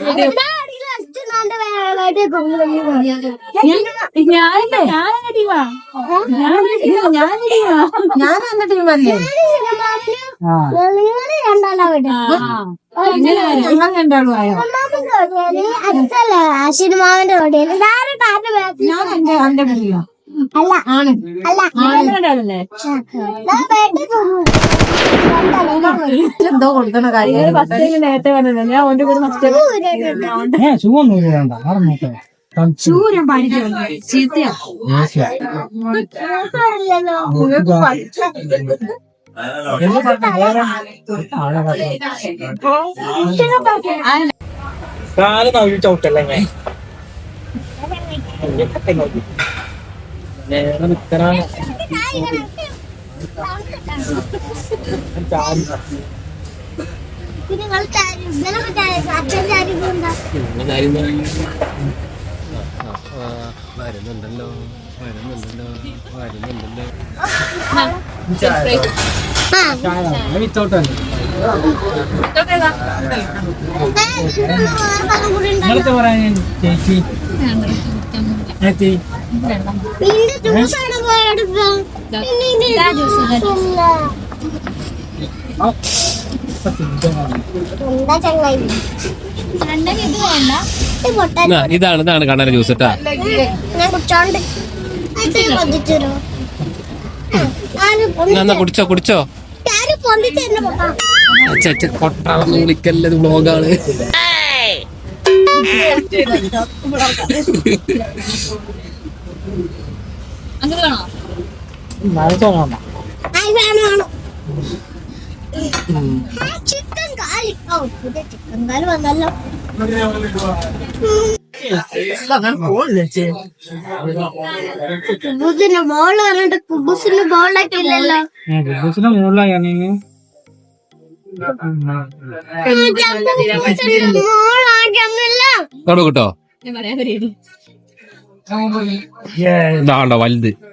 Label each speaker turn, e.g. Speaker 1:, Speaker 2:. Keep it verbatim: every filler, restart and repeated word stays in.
Speaker 1: ഞാനെന്ന ടീമല്ലേ രണ്ടാളും ആയോ
Speaker 2: ആശീർമാവിന്റെ ഓടിയാണ്
Speaker 1: ഞാൻ എന്റെ എന്റെ പിടിയോ
Speaker 2: അല്ല
Speaker 1: ആണ്
Speaker 2: അല്ല
Speaker 1: എന്തോ കൊടുക്കണ കാര്യം
Speaker 3: നേരത്തെ പറഞ്ഞത് ഞാൻ ഓന്റെ കൂടെ
Speaker 1: ചൂരം പഠിക്കുന്നു ചീത്തയാ
Speaker 3: കാല് നവി ചവിട്ടല്ലേ നേരെ നിക്കറാണ്
Speaker 4: വരുന്നുണ്ടല്ലോ വരുന്നുണ്ടല്ലോ വരുന്നുണ്ടല്ലോ
Speaker 3: വിത്തോട്ടല്ലേ ഇന്നത്തെ പറയാൻ ചേച്ചി
Speaker 4: ഇതാണ് ഇതാണ് കണ്ണന ജ്യൂസ് കേട്ടാ എന്നാ കുടിച്ചോ കുടിച്ചോ കൊട്ടാളന്ന് വിളിക്കല്ലത് വ്ലോഗാണ്
Speaker 2: ചിക്കൻ കാലി ചിക്കൻ കാല് വന്നല്ലോ കുബൂസിന്റെ ബോള് പറഞ്ഞിട്ട് കുബൂസിന്റെ ബോളൊക്കെ ഇല്ലല്ലോ
Speaker 3: കുബൂസിന്റെ മുകളിലാണെങ്കിൽ
Speaker 2: മോളാക്കിയൊന്നുമില്ല
Speaker 4: കിട്ടോ ഇതാണ്ടോ വലുത്